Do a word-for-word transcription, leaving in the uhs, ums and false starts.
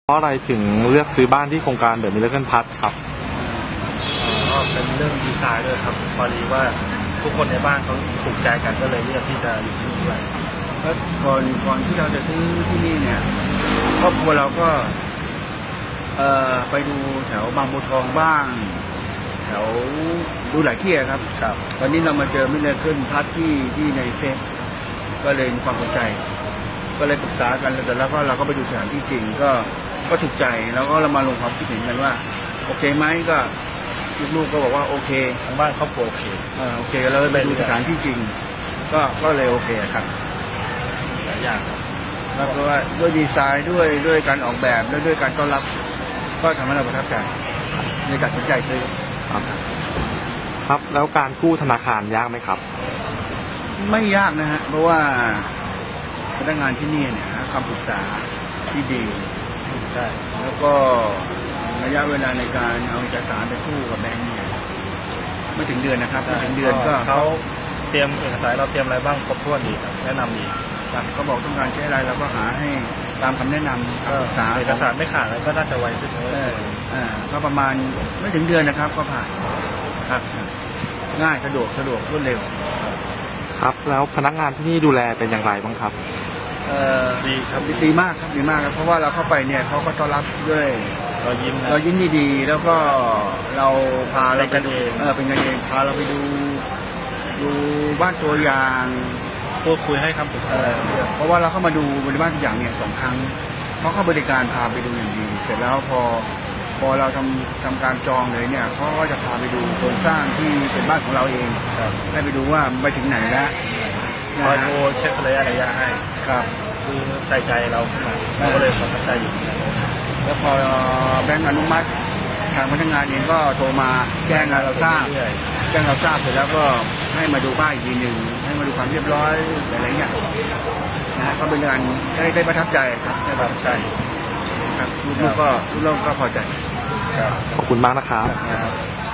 เพราะอะไรถึงเลือกซื้อบ้านที่โครงการเดอะมิลเลอร์พัทครับก็เป็นเรื่องดีไซน์ด้วยครับพอดีว่าทุกคนในบ้านเขาถูกใจกันก็เลยเลือกที่จะอยู่ที่นี่ด้วยแล้วก่อนก่อนที่เราจะซื้อที่นี่เนี่ยครอบครัวเราก็เอ่อไปดูแถวบางบัวทองบ้างแถวดูหลายที่ครับครับตอนนี้เรามาเจอมิลเลอร์พัทที่ที่ในเฟซก็เลยมีความสนใจก็เลยปรึกษากันแล้วแล้วก็เราก็ไปดูสถานที่จริงก็ก็ถูกใจแล้วก็เรามาลงความคิดเห็นกันว่าโอเคไหมก็ลูกๆก็บอกว่าโอเคทางบ้านครอบครัวโอเคเออโอเคเราไปดูสถานที่จริงก็ก็เลยโอเคครับหลายอย่างครับแล้วก็ว่าด้วยดีไซน์ด้วยด้วยการออกแบบและด้วยการต้อนรับก็ทำให้เราประทับใจในการตัดสินใจซื้อครับครับแล้วการกู้ธนาคารยากไหมครับไม่ยากนะฮะเพราะว่าพนักงานที่นี่เนี่ยคำปรึกษาที่ดีใช่แล้วก็ระยะเวลาในการเอาเอกสารไปกู้กับแบงก์เนี่ยไม่ถึงเดือนนะครับไม่ถึงเดือนก็เขาเตรียมเอกสารเราเตรียมอะไรบ้างครบถ้วนดีครับแนะนำดีครับเขาบอกต้องการใช้อะไรเราก็หาให้ตามคำแนะนำเอกสารเอกสารไม่ขาดอะไรก็น่าจะไวขึ้นเลยอ่าก็ประมาณไม่ถึงเดือนนะครับก็ผ่านครับง่ายสะดวกสะดวกรวดเร็วครับแล้วพนักงานที่นี่ดูแลเป็นอย่างไรบ้างครับเอ่อดีครับดีมากครับดีมากครับเพราะว่าเราเข้าไปเนี่ยเขาก็ต้อนรับด้วยเรายิ้มเรายิ้มดีๆแล้วก็เราพาเราเป็นกันเองเออเป็นกันเองพาเราไปดูดูบ้านตัวอย่างพูดคุยให้คำปรึกษาเพราะว่าเราเข้ามาดูบริบ้านตัวอย่างเนี่ยสองครั้งเขาเข้าบริการพาไปดูอย่างดีเสร็จแล้วพอพอเราทำทำการจองเลยเนี่ยเขาก็จะพาไปดูโครงสร้างที่เป็นบ้านของเราเองได้ไปดูว่าไปถึงไหนแล้วคอยโทรเช็คระยะระยะให้ครับคือใส่ใจเราขึ้นมาเราก็เลยสนใจอยู่แล้วพอแบงก์อนุมัติทางพนักงานเองก็โทรมาแจ้งเราทราบแจ้งเราทราบเสร็จแล้วก็ให้มาดูบ้านอีกทีหนึ่งให้มาดูความเรียบร้อยอะไรเงี้ยนะก็เป็นการได้ได้ประทับใจครับได้ประทับใจครับลูกๆก็ลูกๆก็พอใจขอบคุณมากนะครับ